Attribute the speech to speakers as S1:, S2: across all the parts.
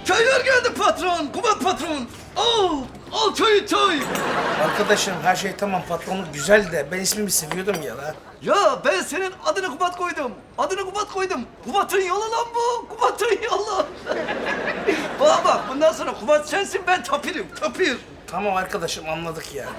S1: Çaylar geldi patron, Kubat patron. Al çay.
S2: Arkadaşım her şey tamam, patronluk güzel de ben ismimi seviyordum ya la.
S1: Ya ben senin adını Kubat koydum. Kubat'ın yolu lan bu. Kubat'ın yolu. Bak bundan sonra Kubat sensin, ben Tapir.
S2: Tamam arkadaşım, anladık ya.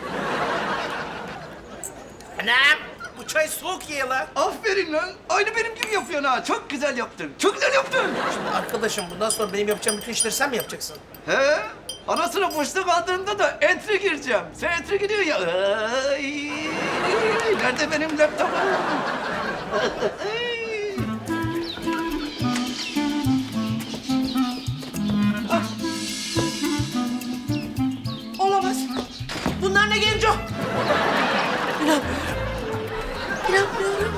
S2: Anam, bu çay soğuk ya la.
S1: Aferin lan. Aynı benim gibi yapıyorsun ha. Çok güzel yaptın.
S2: Arkadaşım bundan sonra benim yapacağım bütün işleri sen mi yapacaksın?
S1: He? Anasını boşluk aldığında da entry gireceğim. Sen entry giriyor ya. Ay, nerede benim laptopum?
S3: Olamaz. Bunlar ne Genco? İnanmıyorum.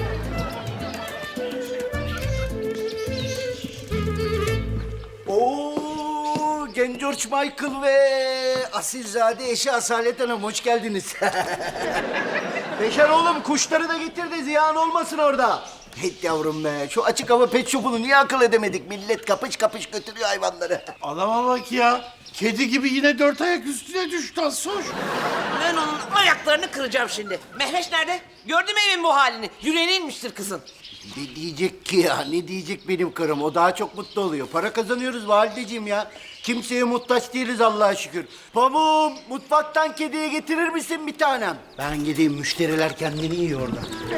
S4: Oo, George Michael ve asilzade eşi Asalet Hanım, hoş geldiniz. Beşer oğlum, kuşları da getir de ziyan olmasın orada. Evet yavrum be, şu açık hava pet shop'unu niye akıl edemedik? Millet kapış kapış götürüyor hayvanları.
S5: Adama bak ya. Kedi gibi yine 4 ayak üstüne düştü Assoş.
S3: Ben onun ayaklarını kıracağım şimdi. Mehveş nerede? Gördün mü evin bu halini? Yüreğine inmiştir kızın.
S4: Ne diyecek ki ya, ne diyecek benim karım? O daha çok mutlu oluyor. Para kazanıyoruz valideciğim ya. Kimseye muhtaç değiliz Allah'a şükür. Pamuğum, mutfaktan kediye getirir misin bir tanem? Ben gideyim, müşteriler kendini yiyor orada.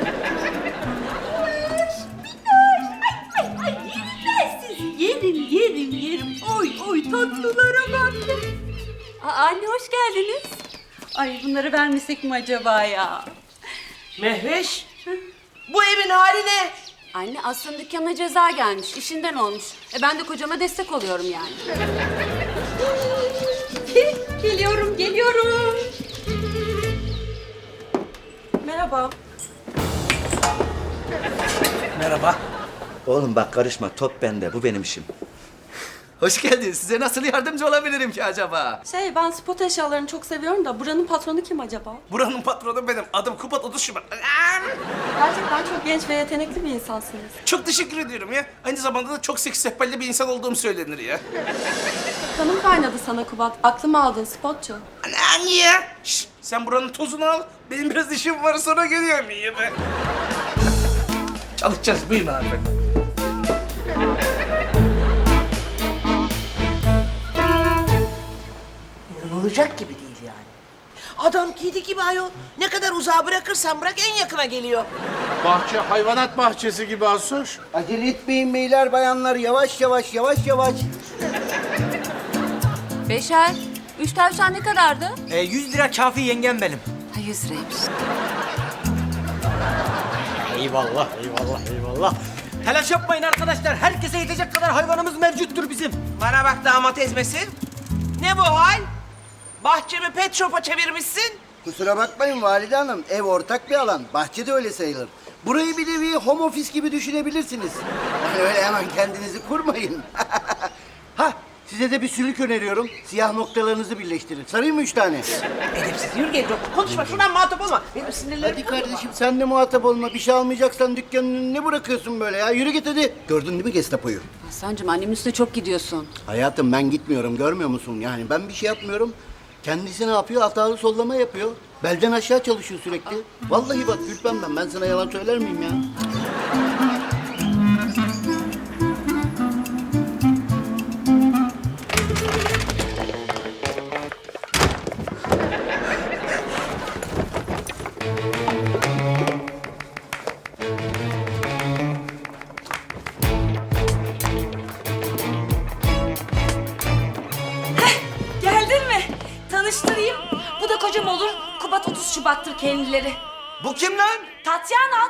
S6: Yerim. Oy tatlılara bak. Anne hoş geldiniz. Ay bunları vermesek mi acaba ya?
S3: Mehveş, bu evin hali ne?
S6: Anne aslında dükkana ceza gelmiş, işinden olmuş. Ben de kocama destek oluyorum yani. Geliyorum. Merhaba.
S2: Merhaba.
S1: Oğlum bak karışma, top bende. Bu benim işim. Hoş geldiniz. Size nasıl yardımcı olabilirim ki acaba?
S6: Ben spot eşyalarını çok seviyorum da buranın patronu kim acaba?
S2: Buranın patronu benim. Adım Kubat 30 Şubat.
S6: Gerçekten çok genç ve yetenekli bir insansınız.
S2: Çok teşekkür ediyorum ya. Aynı zamanda da çok seksi sehpalli bir insan olduğum söylenir ya.
S6: Kanım kaynadı sana Kubat. Aklımı aldın spotçu.
S2: Anan ya. Şş, sen buranın tozunu al. Benim biraz işim var, sonra geliyorum ya ben. Çalışacağız. Buyurun abi.
S3: İnanılacak gibi değil yani. Adam kedi gibi ayol. Ne kadar uzağa bırakırsan bırak en yakına geliyor.
S5: Bahçe hayvanat bahçesi gibi Assoş.
S4: Acele etmeyin beyler bayanlar, yavaş.
S6: Beşer, 3 tavşan ne kadardı?
S7: 100 lira kafi yengem benim.
S6: Ha 100 liraymış.
S7: Eyvallah. Telaş yapmayın arkadaşlar. Herkese yetecek kadar hayvanımız mevcuttur bizim.
S3: Bana bak damat ezmesin. Ne bu hal? Bahçemi pet shop'a çevirmişsin.
S4: Kusura bakmayın valide hanım, ev ortak bir alan. Bahçe de öyle sayılır. Burayı bir nevi home office gibi düşünebilirsiniz. Yani öyle hemen kendinizi kurmayın. Size de bir sülük öneriyorum. Siyah noktalarınızı birleştirin. Sarayım mı 3 tane?
S3: Edepsiz. Yürü Genco. Konuşma. Şuradan muhatap olma. Benim sinirlerim...
S4: Hadi kardeşim sen de muhatap olma. Bir şey almayacaksan dükkanın önüne bırakıyorsun böyle ya. Yürü git hadi. Gördün değil mi Gestapo'yu?
S6: Hasan'cığım annemin üstüne çok gidiyorsun.
S4: Hayatım ben gitmiyorum, görmüyor musun? Yani ben bir şey yapmıyorum. Kendisi ne yapıyor? Hatalı sollama yapıyor. Belden aşağı çalışıyor sürekli. Vallahi bak gülmem ben. Ben sana yalan söyler miyim ya?
S6: Geldin mi? Tanıştırayım. Bu da kocam olur. Kubat 30 Şubat'tır kendileri.
S1: Bu kim lan?
S6: Tatyana.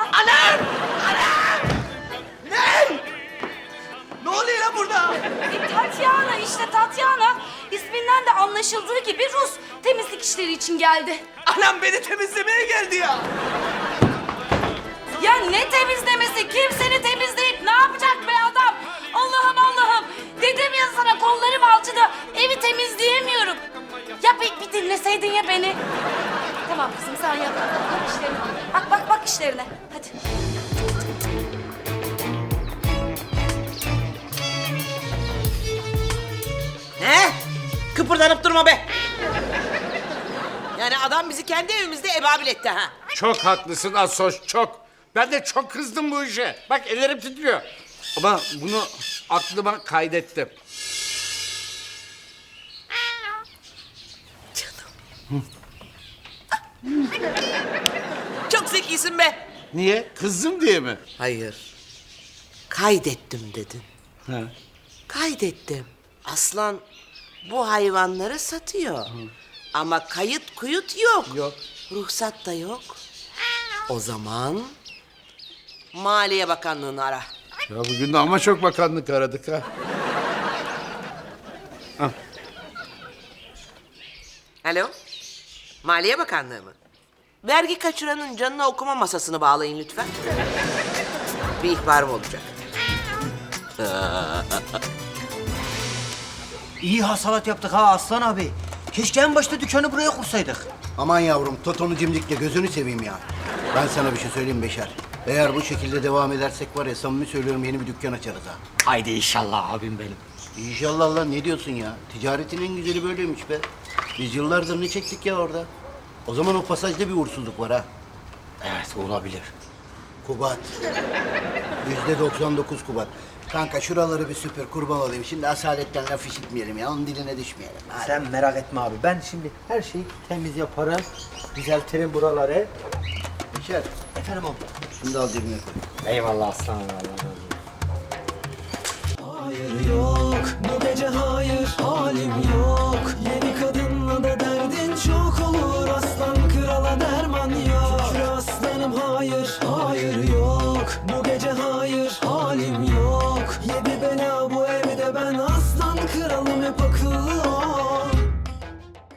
S1: Ne oluyor lan burada?
S6: Tatyana işte Tatyana. İsminden de anlaşıldığı gibi Rus. Temizlik işleri için geldi.
S1: Anam beni temizlemeye geldi ya.
S6: Ya ne temizlemesi? Kim seni temizleyip ne yapacak be adam? Allah'ım. Dedim ya sana kollarım alçıda. Evi temizleyemiyorum. Ya bir dinleseydin ya beni. Tamam kızım sen yap. Bak işlerine. Bak işlerine. Hadi.
S3: kıpırdanıp durma be. Yani adam bizi kendi evimizde ebabil etti ha.
S5: Çok haklısın Asoş, çok. Ben de çok kızdım bu işe. Bak ellerim titriyor. Ama bunu aklıma kaydettim.
S3: Çok zekisin be.
S5: Niye? Kızdım diye mi?
S3: Hayır. Kaydettim dedin.
S5: Ha.
S3: Kaydettim. Aslan bu hayvanları satıyor. Ama kayıt kuyut yok.
S5: Yok.
S3: Ruhsat da yok. O zaman Maliye Bakanlığı'nı ara.
S5: Ya bugün de ama çok bakanlık aradık ha.
S3: Alo? Maliye Bakanlığı mı? Vergi kaçıranın canına okuma masasını bağlayın lütfen. Bir ihbarım olacak.
S7: İyi hasalat yaptık ha Aslan abi. Keşke en başta dükkanı buraya kursaydık.
S4: Aman yavrum Toton'u cimdikle gözünü seveyim ya. Ben sana bir şey söyleyeyim Beşer. Eğer bu şekilde devam edersek var ya samimi söylüyorum yeni bir dükkan açarız ha.
S7: Haydi inşallah abim benim.
S4: İnşallah lan ne diyorsun ya? Ticaretin en güzeli böyleymiş be. Biz yıllardır ne çektik ya orada? O zaman o pasajda bir uğursuzluk var ha.
S7: Evet olabilir.
S4: Kubat. %99 Kubat. Kanka şuraları bir süpür kurban olayım. Şimdi asaletten laf işitmeyelim ya. Onun diline düşmeyelim. Hadi.
S7: Sen merak etme abi. Ben şimdi her şeyi temiz yaparım. Düzeltirim buraları.
S4: Beşer.
S7: Efendim abi.
S4: Şunu da al cebine koy.
S7: Eyvallah aslanım. Allah razı olsun.
S8: Hayır yok, bu